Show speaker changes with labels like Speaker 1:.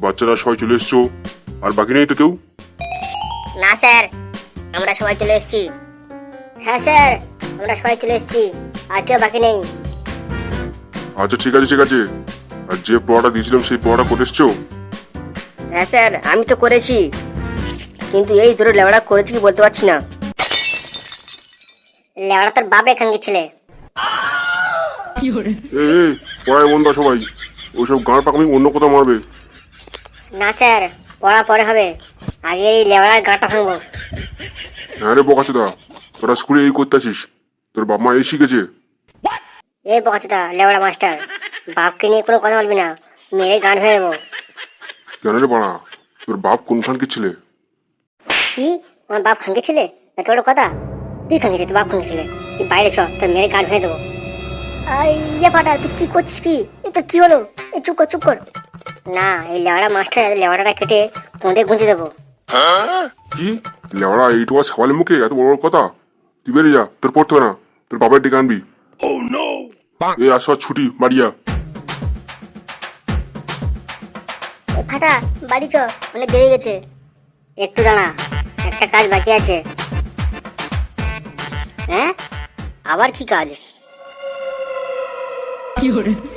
Speaker 1: বাচ্চারা সবাই চলে এসছো, আর বাকি নেই তো কেউ?
Speaker 2: না স্যার, আমরা সবাই চলে এসেছি। হ্যাঁ স্যার, আমরা সবাই চলে এসেছি, আর কেউ বাকি নেই।
Speaker 1: আচ্ছা ঠিক আছে ঠিক আছে, আর যে পড়াটা দিয়েছিলাম সেই পড়াটা করে এসছো?
Speaker 2: হ্যাঁ স্যার, আমি তো করেছি, কিন্তু এই ধরে লেওড়া করেছি কি বলতে পারছি না। লেওড়া তোর বাপ এখানকার ছেলে।
Speaker 1: এ পড়ায় মন দাও সবাই, ওইসব গাঁড় পাকামি অন্য কোথাও মারবে।
Speaker 2: না স্যার, পড়া পরে হবে, আগে এই লেওড়ার গাঁটা ভাঙবো।
Speaker 1: হ্যাঁ রে বোকাচোদা, তোরা স্কুলে এই করতেছিস, তোর বাপ মা এই শিখেছে?
Speaker 2: এই বকাচোদা লেওড়া মাস্টার, বাপকে নিয়ে কোনো কথা বলবি না, মেরে গান হয়ে দেবো।
Speaker 1: কেন রে বাড়া, তোর বাপ কোনখানকে ছেলে?
Speaker 2: কি, আমার বাপ খানকে ছেলে? এত বড় কথা! তুই খানকে তোর বাপ খানকে ছেলে, তুই বাইরে চ, তোর মেরে গান হয়ে দেবো। ইয়ে ফাটা, তুই কি করছিস? কি এ তোর কি হলো? এ চুপ কর চুপ কর। না, এই লেওড়া মাস্টার লেওড়াটা কেটে তোঁদের গুঁজে দেবো।
Speaker 1: কি লেওড়া, এইটুকু সাবালের মুখে এত বড় বড় কথা? তুই বেরিয়ে যা, তোর পড়তে হবে না, তোর বাবার ডেকে আনবি। এই আসো ছুটি, বাড়িয়া।
Speaker 2: ফাটা, বাড়ি চ, অনেক দেরি গেছে। একটু দাঁড়া, একটা কাজ বাকি আছে। হ্যাঁ, আবার কি কাজ?